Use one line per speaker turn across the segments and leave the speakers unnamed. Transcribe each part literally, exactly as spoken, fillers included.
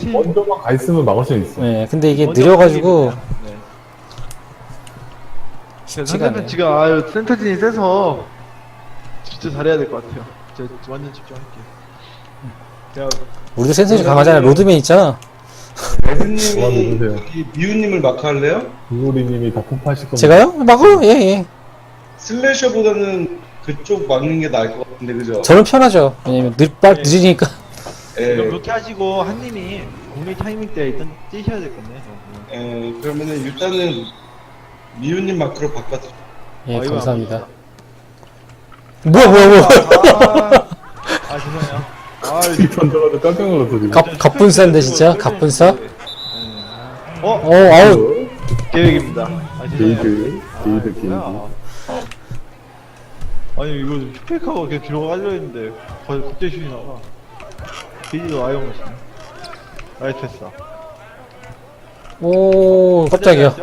팀.
먼저만 가 있으면 막을 수 있어.
네, 근데 이게
먼저
느려가지고
팀입니다. 네.
쉽지가
상대편
않아요.
지금 아유 센터진이 세서 진짜 잘해야 될 것 같아요. 제가 완전 집중할게요. 제가
우리도 센터지 강하잖아. 로드맨 있잖아.
그만
레드님이
누르세요.
여기 미우님을 마크할래요?
이고리님이 다 폭파하실 겁니다.
제가요? 막어요? 예, 예.
슬래셔보다는 그쪽 막는 게 나을 것 같은데 그죠?
저는 편하죠. 왜냐면 늦, 빨,
네.
늦으니까.
예.
이거 그렇게 하시고 한님이 공리 타이밍 때 일단 뛰셔야 될 건데.
예, 그러면은 일단은 미우님 마크로 바꿔서
예,
어, 이거
감사합니다. 뭐야, 뭐야, 뭐야.
아, 아 죄송해요. 아
이 던져가지고 깜짝 놀랐어 지금.
갑, 갑분싸인데, 진짜? 갑분싸?
어?
어, 아우.
계획입니다. 아 죄송해요.
게이드, 게이드, 게이드.
뭐야. 아니 이거 스페이커가 그냥 뒤로 가려 했는데 거- 갑자기 슛이 나와. 게이지도 아예 없네. 나이스 패스.
오, 깜짝이야.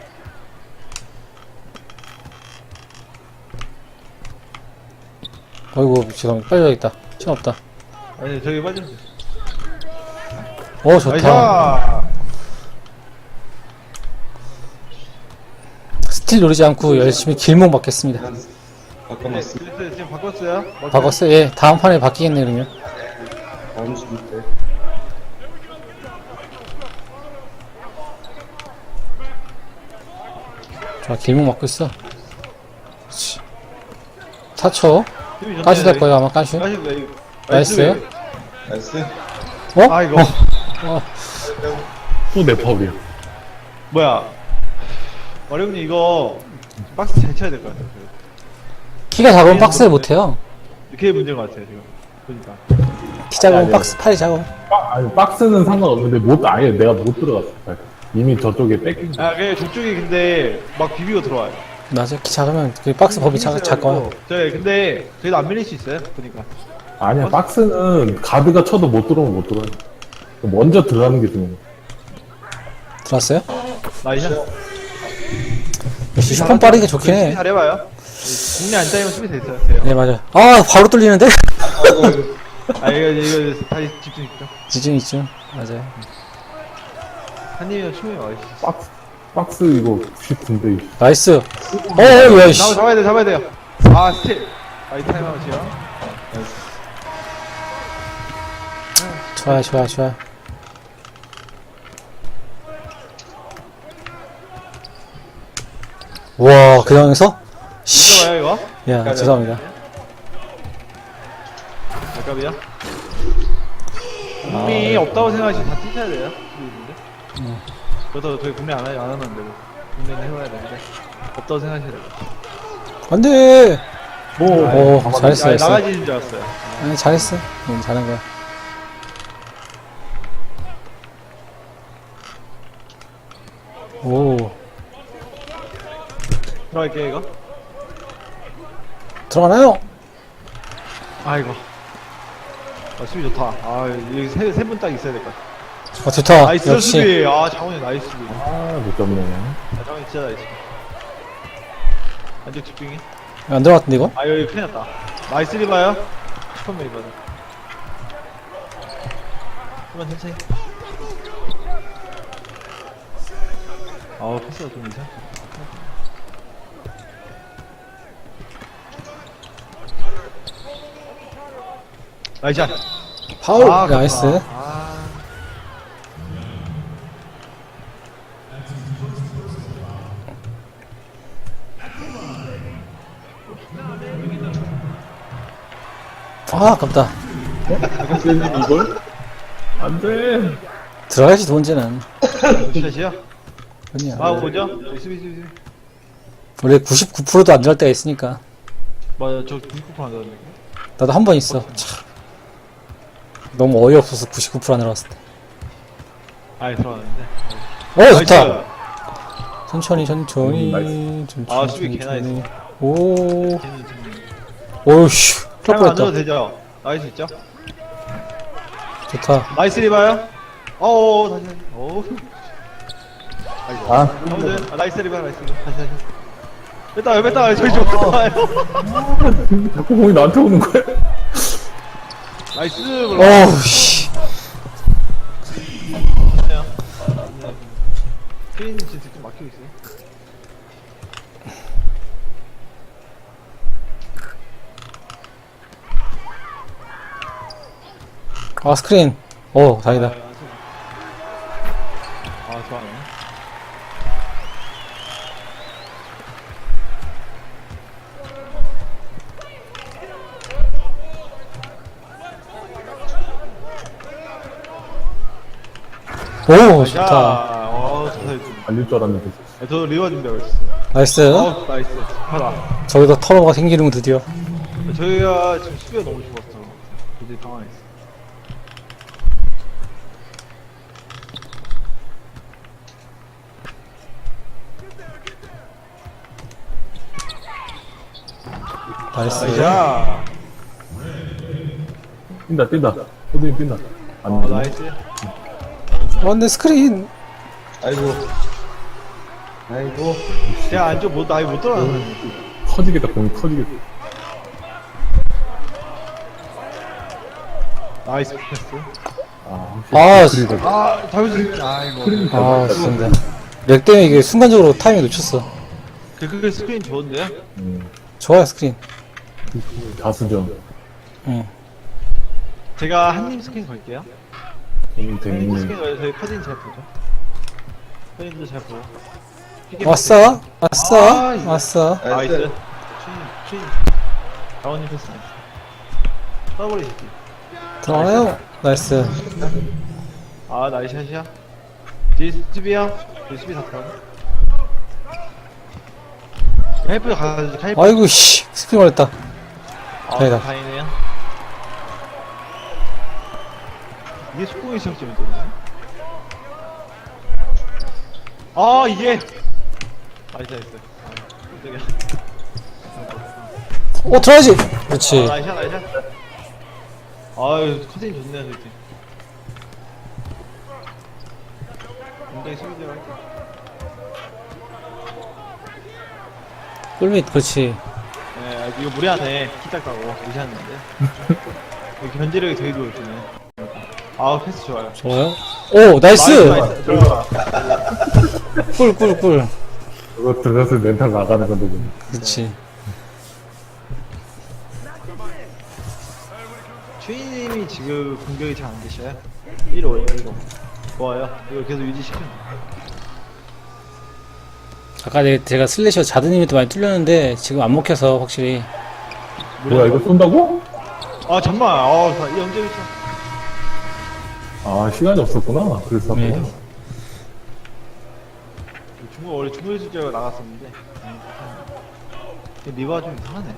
어이구, 죄송합니다. 빨리 가야겠다. 시간 없다.
아니 저기 빠지면 돼.
오, 좋다.
나이스!
스틸 노리지 않고 열심히 길목 맞겠습니다.
바꿔놨어.
네, 지금 바꿨어요?
바꿨어요? 예, 다음 판에 바뀌겠네, 그러면.
다음 수비 때.
좋아, 길목 맞고 있어. 그렇지. 타쳐.
힘이 좋네.
까시 될 거예요, 아마 까시.
까시 왜?
나이스.
나이스.
어?
아 이거
어,
또 내 파울이야.
뭐야? 어령님 이거 박스 잘 쳐야 될 것 같아요.
키가 작으면 박스를 못해요.
그게 문제인 것 같아요 지금. 그러니까.
키 작으면
아니,
박스, 팔이 작으면.
박, 아니 박스는 상관없는데 못 아예 내가 못 들어갔어. 이미 저쪽에 뺏긴 거.
아 그게 족쪽이 근데 막 비비고 들어와요.
맞아, 키 작으면 그 박스 법이 작, 작아요.
저희 근데 그래도 안 밀릴 수 있어요. 보니까.
아니야 박스는 가드가 쳐도 못 들어오면 못 들어요. 먼저 들어가는 게 중요해.
들어왔어요?
나이스.
역시 슈퍼 빠른 게 좋긴
수비
해.
잘해봐요. 국내 안 따이면 수비 됐어요. 돼요.
네, 맞아. 아, 바로 뚫리는데?
아 이거 이거 다시 집중 집중.
지중 있죠. 맞아요.
한님이랑 충분히 와 있어.
박스 박스 이거 구십구인데.
나이스. 어, 어, 야, 씨.
잡아 잡아야 돼 잡아야 돼요. 아 스틸. 아이 타임아웃이요.
좋아요, 좋아요, 좋아요. 와, 그 상황에서? 씨.
이거 봐요 이거.
야, 죄송합니다.
아깝이야. 국미 없다고 생각하시면 다 뛰셔야 돼요. 수비인데. 그래서 저희 국내 안, 하- 안 하면 안 되고 국내는 해봐야 되는데 없다고 생각하셔야 돼요.
안 돼!
뭐
오, 잘했어,
아,
잘했어.
나가지는 줄 알았어요.
아니, 잘했어. 응, 잘한 거야. 오,
들어갈게요 이거.
들어가나요?
아이고. 아 수비 좋다. 아 여기 세세 분 딱 있어야 될 것 같아.
어, 좋다.
나이스
역시.
수비. 아 장훈이 나이스 수비.
아못 잡네.
아 장훈이 진짜 나이스. 완전 집중해.
안 들어갔던데, 이거?
아 여기 큰일 났다. 나이스 리바요. 슈퍼맨 리바다. 그만 천천히. 아우 패스가 좀 이상. 나이스 샷.
파울!
아,
나이스.
아.
아, 아깝다.
이걸? 안돼.
들어가야지, 돈지는.
샷이요?
아니야.
아 뭐죠? 수비 수비 수비.
원래 구십구 퍼센트도 안 들어갈 때가 있으니까.
맞아 저 김쿠파 안 들었네.
나도 한 번 있어. 참. 너무 어이없어서 구십구 퍼센트 안 들어갔을 때.
아예 들어갔는데.
오, 좋다!
나이스.
천천히, 천천히.
음,
천천히.
아, 수비 개나
천천히. 오,
걔는 좀.
오우씨.
타임 안 줘도
뻔했다.
되죠? 나이스 있죠?
좋다.
나이스 리바요? 어어 다시 다시. 어우. 아이고.
아
아무튼 아, 나이스 리바 나이스 리바. 다시 다시. 뺐다 뺐다 저기 좀 뺐다 와요.
자꾸 공이 나한테 오는 거야.
나이스. 몰라.
어우씨.
좋네요. 네. 스크린 진짜 좀 막히고 있어요.
아, 스크린. 오, 다행이다.
아, 좋아하네.
오,
자,
좋다.
어, 좋다. 네,
알릴 줄 알았는데.
저도 리워 준비하고 있었어요.
나이스.
어, 나이스. 하다.
저기서 터너가 생기는군, 드디어.
저희가 지금 수비가 너무 좋았어. 굉장히 당황했어.
나이스.
야,
뛴다, 뛴다. 호드님 뛴다. 안
어,
되네.
나이스.
어, 근데 스크린.
아이고. 아이고.
제가 안쪽 못, 아예 못 들어가는.
터지겠다, 공이 터지겠다.
나이스 패스.
아,
아,
확실히 그리고
아, 잘못했 아이고.
스크린이
아,
잘
진짜. 렉 때문에 이게 순간적으로 타이밍 놓쳤어.
그, 그 스크린 좋은데요?
음,
좋아요, 스크린.
다수전.
응.
제가 한님 스크린 걸게요.
음,
한님
되겠네.
스크린 걸어서 저희 커진 잘 보죠. 커진도 잘 보고. 피게
왔어? 왔어?
아,
왔어?
나이스. 퀸, 퀸. 다운님 패스 나이스. 더블이 새끼.
들어가요? 나이스.
아, 나이스 샷이야. 뒤에 수비야. 뒤에 수비 다 들어가. 헬프 가야지, 헬프.
아이고, 씨. 스크린 걸렸다.
아,
다행이다.
다행이네요. 이게 속공의 시작점이 되네. 아, 이게! 나이스, 나이스. 아, 깜짝이야.
어, 들어야지!
아,
그렇지.
나이스, 나이스. 아유, 커튼이 좋네요, 저기. 굉장히 수비대로 할게.
꿀밑, 그렇지.
네, 아, 이거 무리하네. 키 작다고 무시하는데. 이거 견제력이 되게 좋으시네. 아, 패스 좋아요.
좋아요. 오, 나이스!
나이스, 들어가.
꿀, 꿀, 꿀.
그거 들어갔을 때 멘탈 나가는 건데, 지금.
그렇지.
최희님이 지금 공격이 잘 안 되셔요? 일 호에요, 일 호. 좋아요. 이거 계속 유지시키면
아까 내- 제가 슬래셔 자드님이 또 많이 뚫렸는데 지금 안 먹혀서 확실히.
뭐야, 이거 쏜다고?
아, 정말. 아, 이 언제 있어?
아, 시간이 없었구나. 그래서.
네.
네.
중국, 원래 중국 실제가 나갔었는데. 근데 리버가 좀 이상하네.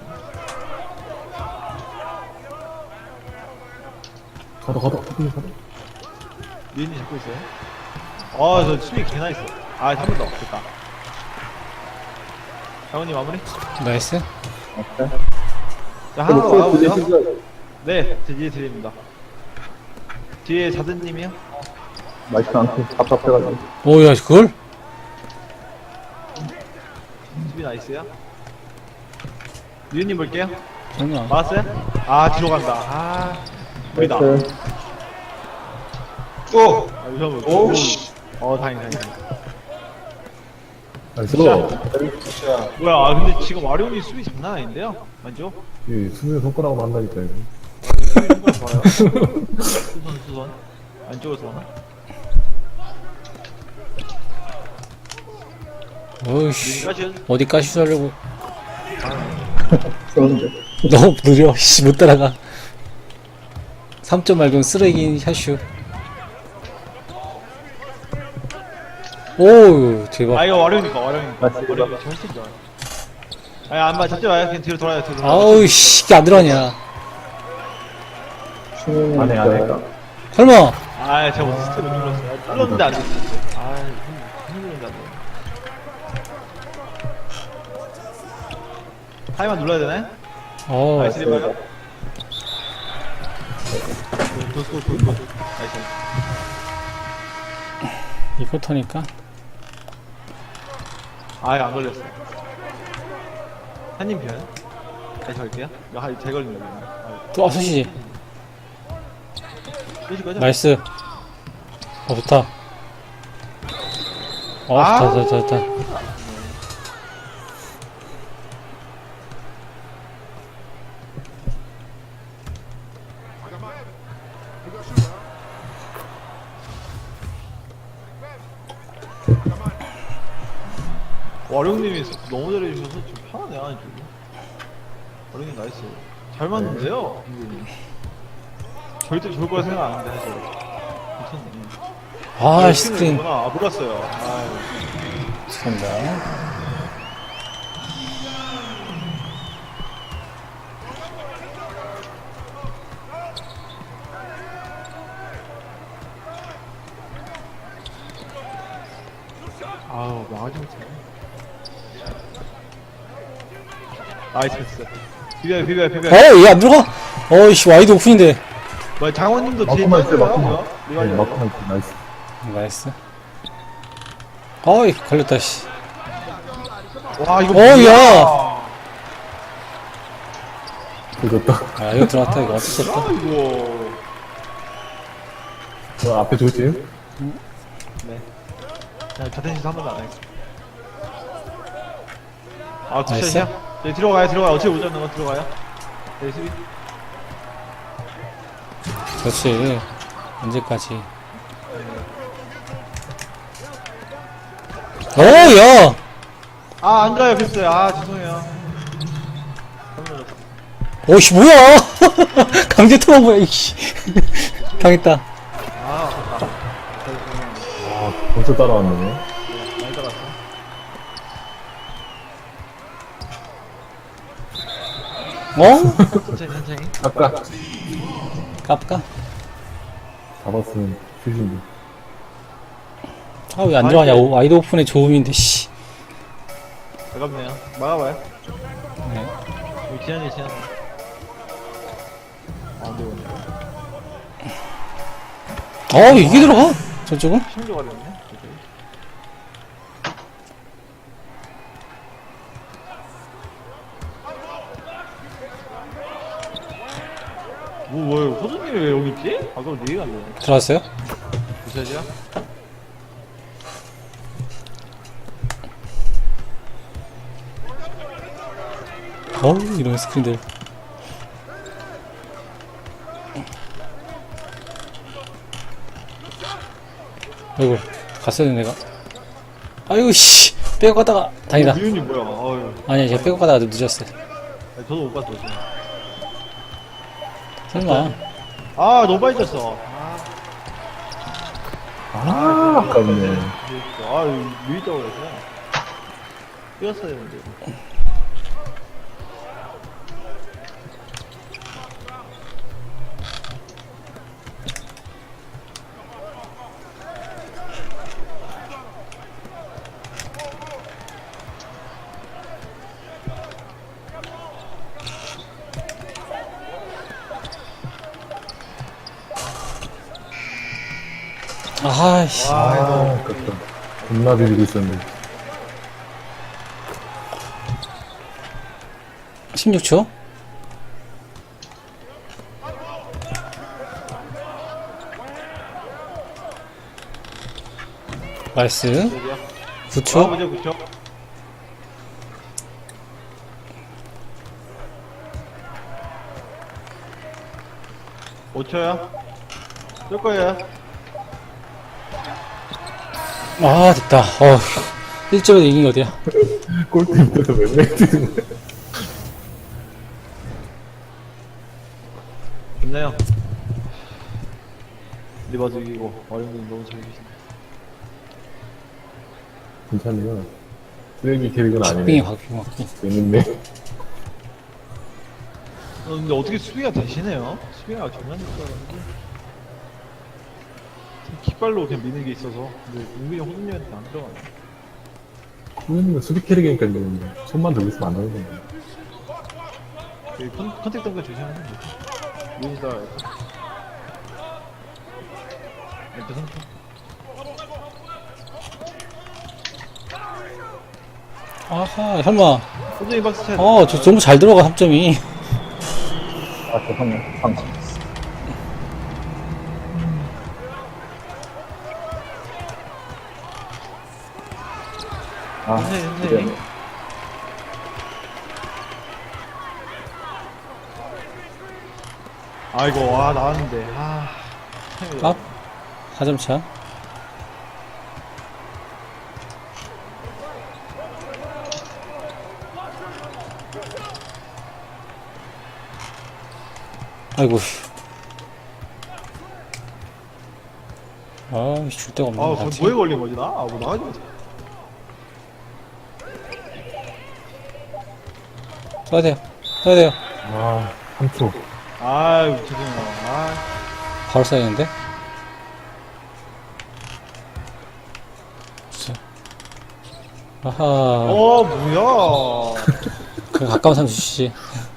가다, 가다, 호드님 가다.
유인이 잡고 있어요? 아, 저 수비 개나 있어. 아, 한 번 더. 됐다. 장훈님 마무리?
나이스.
자, 하나 더 와보세요. 네, 드디어 드립니다. 뒤에 자드님이요?
맛있지 않고 답답해가지고.
오, 야, 그걸?
수비 나이스요? 유인님 볼게요.
장난 안.
맞았어요? 아, 뒤로 간다. 아, 우리다. 아,
오!
이거
오, 씨.
어, 다행이, 다행이.
나이스.
자,
뭐야, 아, 근데 지금 와룡이 수비 장난 아닌데요? 맞죠?
예, 수면 손가락으로 한다니까, 이거.
수비 정말 좋아요. 수선, 수선. 안쪽에서 하나?
어이씨.
까지
어디 까시 하려고. 너무 느려. 씨, 못 따라가. 삼 점 말고는 쓰레기인 샷슈. 오, 대박.
아, 이거 와룡이니까, 와룡이니까. 와룡이 훨씬 좋아요. 아니, 안 봐, 잡지 마요. 그냥 뒤로 돌아요, 뒤로 돌아요.
아우, 씨, 이게 안 들어가냐.
안 해, 안 해.
설마.
아, 제가 뭐 스텝 못 눌렀어요. 눌렀는데 안 됐어. 아, 힘, 힘들는데 안 돼. 타이만 눌러야 되나요?
어,
나이스 리바가? 도도도도 나이스.
이 쿼터니까.
아, 안 걸렸어. 한님 편. 다시 갈게요. 이거 하- 잘 걸린 거예요.
또, 아, 소시지.
끄실 거죠?
나이스. 어, 좋다. 어,
아.
좋다, 좋다, 좋다.
와룡님이 너무 잘해주셔서 좀 편하네, 아니, 좀. 와룡님 나이스. 잘 맞는데요? 음. 절대 좋을 거라 생각 안 했는데, 사실. 괜찮네.
아,
아,
스크린.
스크린이구나. 아, 몰랐어요. 아유.
죄송합니다.
아우, 망하지 못해. 나이스 패스. 비벼요, 비벼요, 비벼요.
어, 얘 안 들어가? 어이씨, 와이드 오픈인데.
뭐, 장원님도 뒤에
마크만 있어요,
있어요,
마크만.
뭐야?
네,
리발리.
마크만 있어. 나이스.
나이스. 어이, 걸렸다, 씨.
와, 이거.
어,
뭐야?
야!
조졌다.
아, 이거 들어갔다, 이거 어쩔 수 없다.
아, 이거.
저 앞에 조심.
네. 그냥 같은 짓 한 번도 안 하겠습니다. 아,
나이스.
투샷이야? 네, 들어가요, 들어가요. 어차피 못 잡는 건 들어가요. 네, 수비.
그렇지. 언제까지. 오, 야!
아, 안 가요, 패스요. 아, 죄송해요. 잘못 눌렀어.
오씨, 뭐야! 강제 투어 뭐야, 이씨. 당했다.
아, 아깝다.
아, 벌써 따라왔네.
네, 많이 따랐어.
어?
천천히, 천천히.
아까
깝까?
잡았으면 슛인데.
아, 왜 안 들어가냐. 오, 와이드 오픈의 좋음인데, 씨.
아깝네요. 막아봐요.
네.
여기 지난이 지난. 아, 안 되고 있네.
어, 이게 들어가? 저쪽은?
심지어가 됐네. 뭐, 뭐야, 호주님이 왜 여기 있지? 아까 네 개가 안 되네.
들어왔어요?
부샷이야?
어우, 이런 스크린들. 아이고, 갔어야 돼, 내가. 아이고, 씨. 빼고 가다가, 다행이다.
미윤이 뭐야? 아유.
아니야, 제가 빼고 가다가 늦었어.
아니, 저도 못 봤어, 지금.
설마.
아, 너무 빨리 졌어.
아, 아깝네.
아, 밀리자고 그래서. 뛰었어야 되는데.
아이씨.
아, 아깝다. 겁나 비비고 있었는데.
십육 초? 나이스.
여기야.
구
아,
초?
보자, 그쵸? 오 초야? 쏠 거예요.
아, 됐다. 어, 일 점에서 이긴 게 어디야?
골대에서 몇 뛰는 거야?
좋네요. 리바도 이기고, 어린분 너무 잘 계시네.
괜찮네요. 쓰레기 캐릭은
박빙이
아니네.
박빙, 박빙.
재밌네.
어, 근데 어떻게 수비가 되시네요? 수비가 장난일 줄 알았는데. 킥발로 그냥 미는 게 있어서. 근데 은근히 호준님한테 안 들어가네.
후배님은 수비 캐릭이니까 이제 손만 들고 있으면 안 되는 건데.
그 컨, 컨택 던가 조심하면 돼. 미니다. 일단 선수.
아하, 설마.
호준이 박스 차야 돼.
어, 저 너무 잘 들어가, 삼 점이.
아, 죄송해요. 방금. 아,
천천히 천천히.
그래.
아이고 와 나왔는데 아.
아, 사 점 차. 아이고. 아, 줄 데가 없네.
아,
나
그
지금.
뭐에 걸린 거지 나? 아, 뭐 나가지 마.
써야 돼요. 써야 돼요.
아, 삼 초.
아유 죄송해요. 아,
바로 써야 되는데. 주세요. 아하.
어 뭐야?
그 가까운 사람 주시지.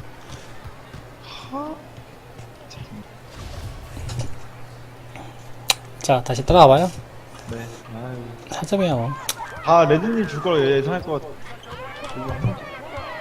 자, 다시 따라와봐요.
네. 아유.
사 점이야, 뭐.
아 레드님 줄 걸 예상할 것 같아. 이거 한 점.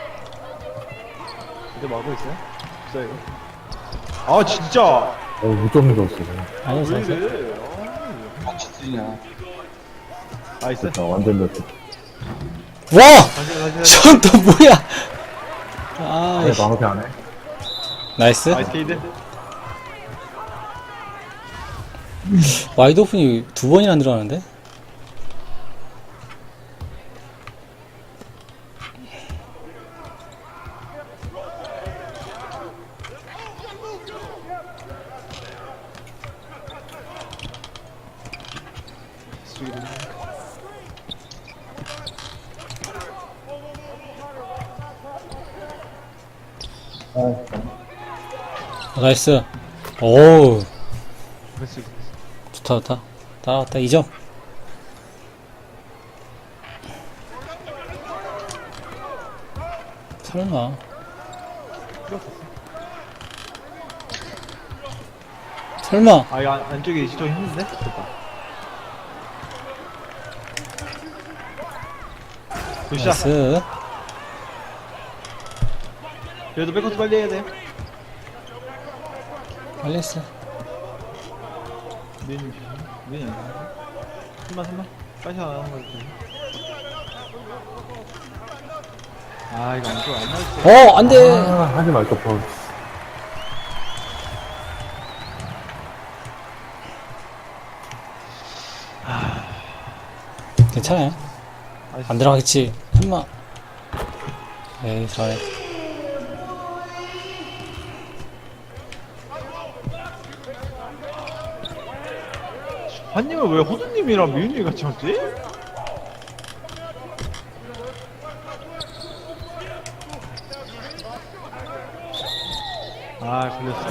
이제 막고 있어요? 진짜 이거? 아 진짜.
어, 무점 넣었어.
아니요,
왜
잘
이래?
박치들이냐.
아, 나이스.
됐다, 완전 넣었어.
와!
다시 다시 다시.
전 또 뭐야! 아,
왜 마무리 안 해?
나이스.
나이스 케이드.
와이드 오픈이 두 번이나 들어가는데? 아, 나이스. 오우,
그렇지.
좋다, 좋다. 따라왔다, 이 점. 설마. 설마.
아 이거 안, 안쪽에 좀 힘든데? 됐다. 굿샷.
나이스.
그래도 백커트 빨리 해야 돼.
빨리 했어.
민이 민이 아니야. 숨만 숨만. 빨리 나가는 거지. 아 이거 안쪽 안 나올 때.
어, 안 돼!
아, 하지 말까, 뻔.
괜찮아요. 안 들어가겠지. 설마. 에이, 잘해.
한님은 왜 호두님이랑 미윤님 같이 왔지? 아 걸렸어.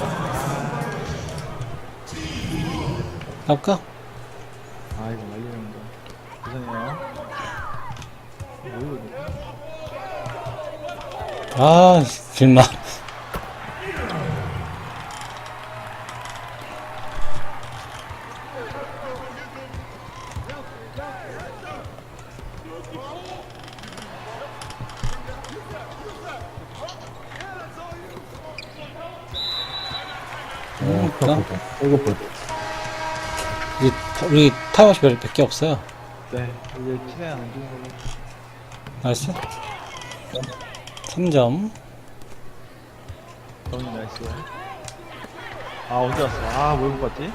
가볼까?
아 이거 말리는 거. 죄송해요. 뭐 이거?
아, 빌마. 음, 그럼
이거 볼
우리, 우리 타임아웃이 몇, 몇 개 없어요.
네 이제 최대한 안 주는 걸로.
나이스. 삼 점.
너무 나이스. 아 언제 왔어? 아왜 못 봤지?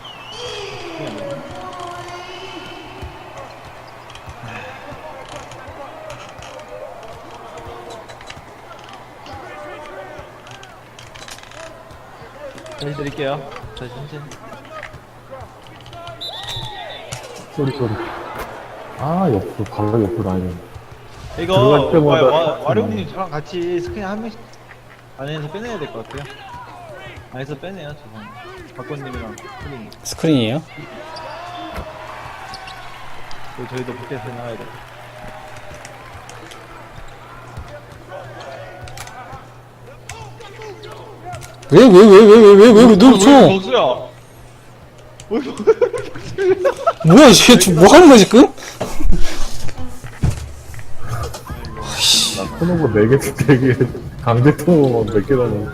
다시 드릴게요. 다시 천천히.
소리, 소리. 아, 옆으로, 바로 옆으로 아니네.
이거
들어갈 때마다
와- 와-
딱
와룡님 저랑 같이 스크린 한 명씩 안에서 빼내야 될 것 같아요. 안에서 빼내요 저는. 박건님이랑 스크린.
스크린이에요.
그리고 저희도 밖에서 나가야 돼.
왜, 왜, 왜, 왜, 왜, 왜, 왜, 왜, 너, 저,
복수야.
뭐야, 쟤, 저, 뭐 하는 거야, 지금?
나 코너버 네 개, 네 개, 강제 통으로 몇개 다녀.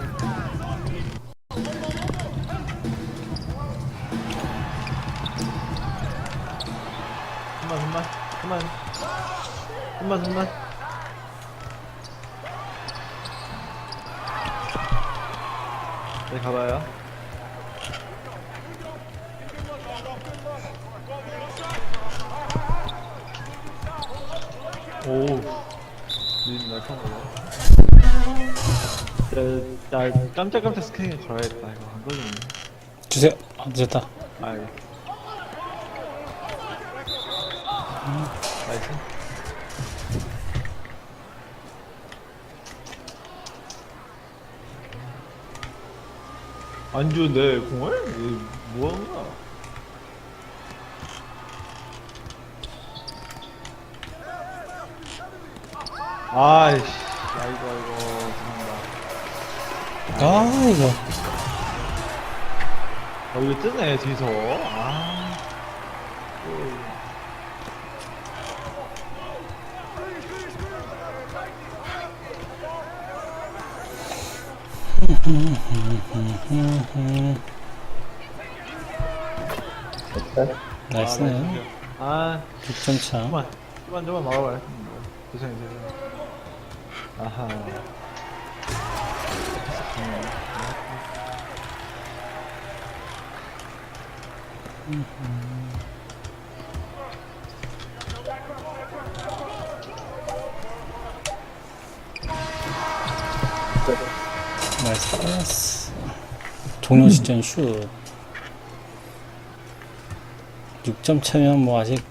그만 그만 그만 좀만 좀만. 네 가봐요. 오, 님 날카로워. 나, 나 깜짝깜짝 스캐닝 걸어야겠다. 이거 안 걸리네.
주세요. 아, 늦었다.
아, 이거. 나이스. 안 주는데 공을? 이거 뭐 하는 거야? 아이씨, 아이고 아이고 죄송합니다.
아, 이거.
어 이거 뜨네 뒤에서. 아. 또.
나이스네.
아,
육 점 차.
좀만, 좀만, 좀만 막아봐요. 죄송해요, 죄송해요. 아하.
나이스 패스. 종료 시점 슛. 육 점 차면 뭐 아직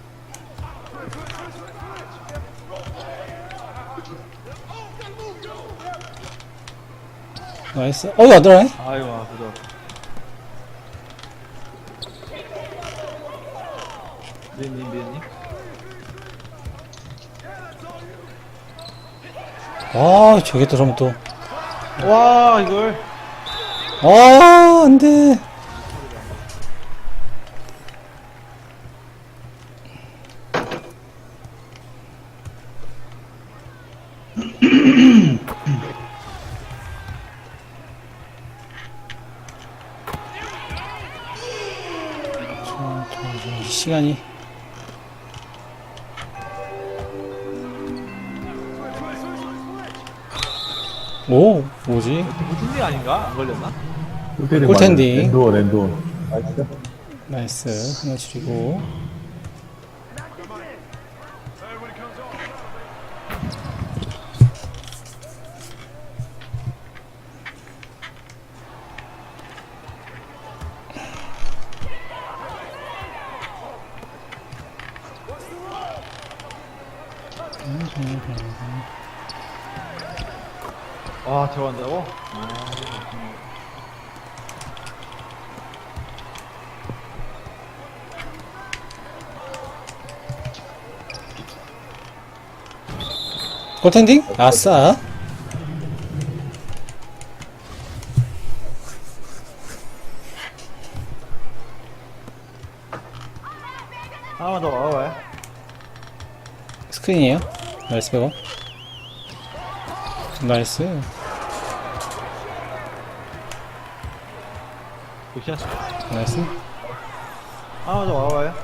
나이스. 어이 안 들어가네?
아이고, 아, 그죠. 미연님, 미연님.
와 저게 들어오면 또.
와, 이걸.
아 안돼. 시간이 오 뭐지?
무슨 일 아닌가? 안 걸렸나?
골텐딩.
랜드워, 랜드워. 나이스.
나이스 하나 줄이고
와, 들어간다고? 아,
골텐딩? 아싸.
하나만 더 와봐요.
스크린이에요. 나이스 백업. 나이스.
굿샷.
나이스.
하나만 더 와봐요.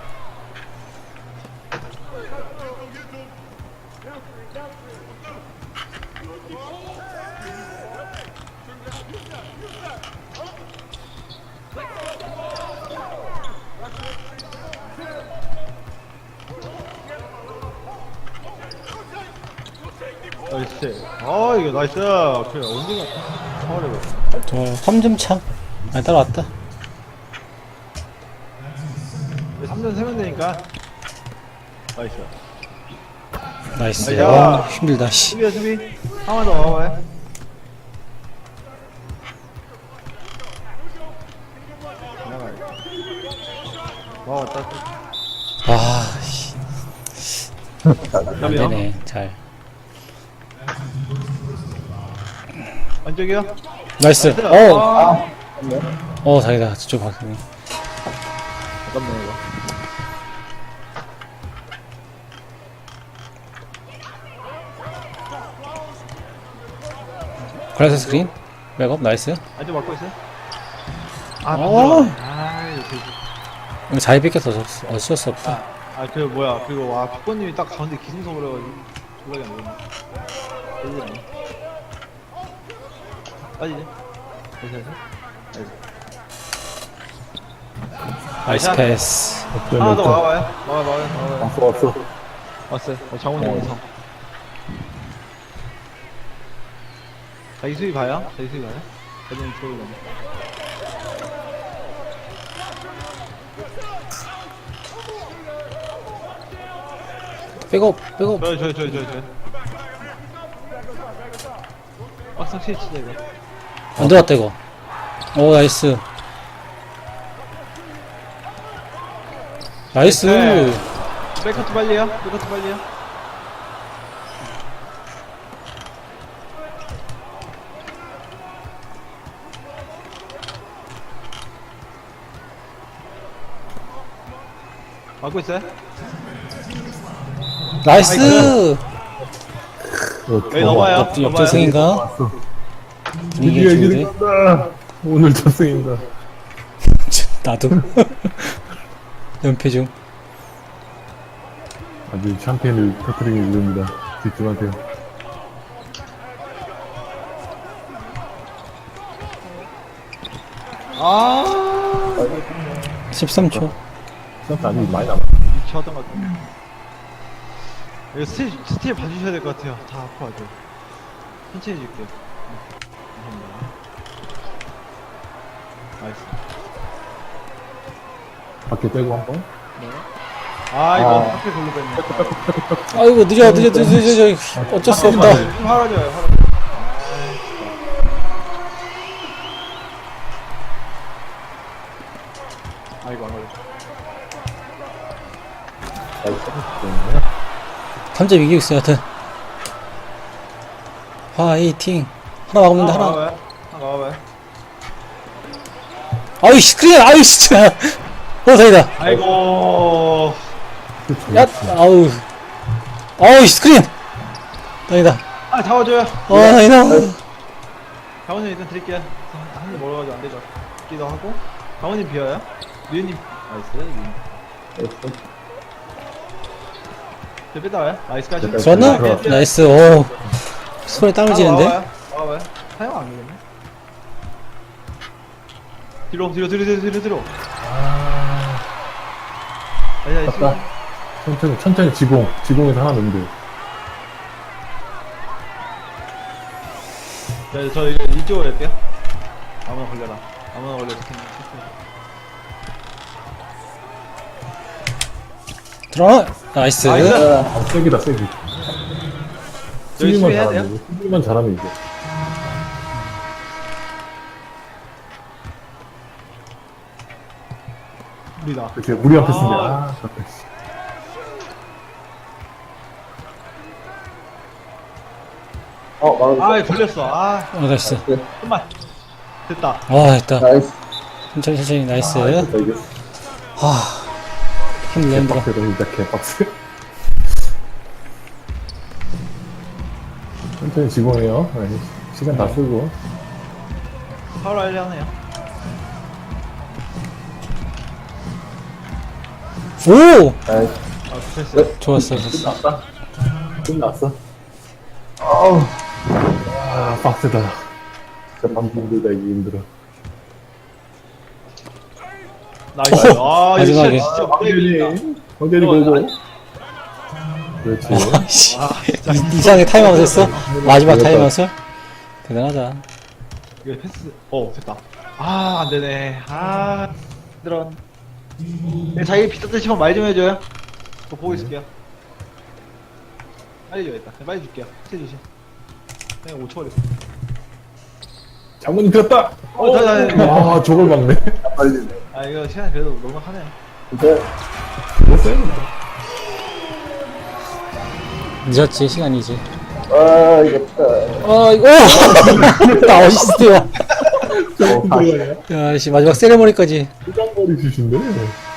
나이스. 아, 이거 나이스. 그래, 언제가 파워레벨.
저 삼 점 차. 아 따라왔다.
삼 점 세면 되니까. 나이스.
나이스.
야.
아, 힘들다. 씨.
수비야, 수비. 하나만 더 와봐요. 나가요. 와, 왔다.
와, 씨. 안
여기요?
되네. 잘.
안쪽이요?
나이스.
나이스.
어,
아,
어, 자기다. 저쪽 박스네.
잠깐만, 이거.
글라스 스크린. 백업. 나이스.
안쪽 막고 있어요? 아,
어.
부드러워. 아, 이거 되게.
이거 자리 뺏겨서 어쩔 수 없다.
아, 그 뭐야, 그거 와, 피코님이 딱 가운데 기승서 그래가지고. 블락이 안 보이네. 빠지지 않네. 빠지지? 다시 다시.
나이스
자,
패스.
하나 더 와봐요. 와봐, 와봐, 와봐.
왔어, 왔어.
왔어요. 어, 장훈 원성. 자기 수비 봐요? 자기 수비 봐요? 자기는 들어오려네.
백업, 백업.
저요, 저요, 저요, 저요, 저요. 막상 치치자 이거.
안 들어갔다, 이거. 오, 나이스. 나이스.
네. 백커트 빨리요? 백커트 빨리요? 막고 있어요?
나이스.
어,
여기 넘어요.
옆, 옆조승인가?
왔어.
분위기
드디어 이기는
좋은데?
건다. 오늘 저승인다.
나도. 연패 중.
아주 샴페인을 터뜨리기 위해입니다. 집중하세요.
아,
십삼 초.
시간 아직 많이 남았어.
미쳐하던 것 같아. 이거 스틸, 스틸 봐주셔야 될 것 같아요. 다 아파, 아주. 천천히 해줄게요. 응. 감사합니다. 나이스.
밖에 빼고 한 번.
네. 아, 이거
아.
하필 걸로 뺐네.
아이고, 늦어, 늦어, 늦어, 늦어, 늦어. 어쩔 수 없다.
좀 화라져요, 화라져. 아이고, 안 걸려.
삼 점 이기고 있어요, 하여튼. 화이팅. 하나 막으면 돼, 하나.
나와봐요. 하나 나와봐요.
아유, 스크린, 아유, 진짜. 어, 다행이다.
아이고.
야, 아우. 아우, 스크린. 다행이다.
아, 잡아줘요.
어, 다행이다.
강원님 일단 드릴게요. 한입 먹어가지고 안 되죠. 기도 하고. 강원님 비어요? 류님. 나이스, 류님. 저 뺐다 와요? 나이스 까지.
좋았나? 나이스, 오. 손에 땀을 쥐는데?
와봐요. 사용 안 되겠네. 뒤로, 뒤로, 뒤로, 뒤로, 뒤로, 뒤로. 아니, 아니,
맞다. 천천히, 천천히 지공. 지공에서 하나 넣으면 돼.
자, 저 이거 이쪽으로 할게요. 아무나 걸려라. 아무나 걸려.
들어와. 나이스.
나이스.
아, 세기다, 세기.
열심히
수비만
해야 돼요?
잘하면, 수비만 잘하면 이겨.
우리다.
이렇게 무리한 패스인데,
아.
아, 잠깐. 어,
아, 걸렸어. 아,
어, 나이스.
좀만. 됐다.
와, 됐다.
나이스.
천천히, 천천히, 나이스.
아, 이겼다, 이겼어.
하. 힘들어, 힘들어.
개빡세다, 진짜 개빡세. 천천히 지공해요. 아니, 시간 다 쓰고.
바로 알려 하네요.
오!
나이스.
아, 됐어요.
좋았어, 좋았어.
끝났다. 끝났어. 아우. 아, 빡세다. 진짜 밤 힘들다, 이게 힘들어.
나이스. 아, 이거 진짜,
마지막에.
진짜 무대기다.
황대리
어,
보고.
아니-
그렇지.
씨.
아, 진짜.
이- 이상하게 타임아웃 했어? 마지막 타임아웃을? 대단하다.
이거 패스. 어, 됐다. 아, 안 되네. 아, 힘들어. 네, 자기 비슷한 시간 말 좀 해줘요. 저 보고 있을게요. 빨리 줘야겠다. 그냥 빨리 줄게요. 해주시 그냥 오 초 걸렸어.
장모님 들었다!
어, 자, 자, 자.
와, 저걸 막네. 빨리네.
아, 이거 시간 그래도 넉넉하네.
진짜. 됐어요?
늦었지, 시간이지.
아, 이겼다.
아, 이거, 오! 나 어시스트야.
어, 다시.
야, 씨, 마지막 세레머니까지.
수장거리 주신데?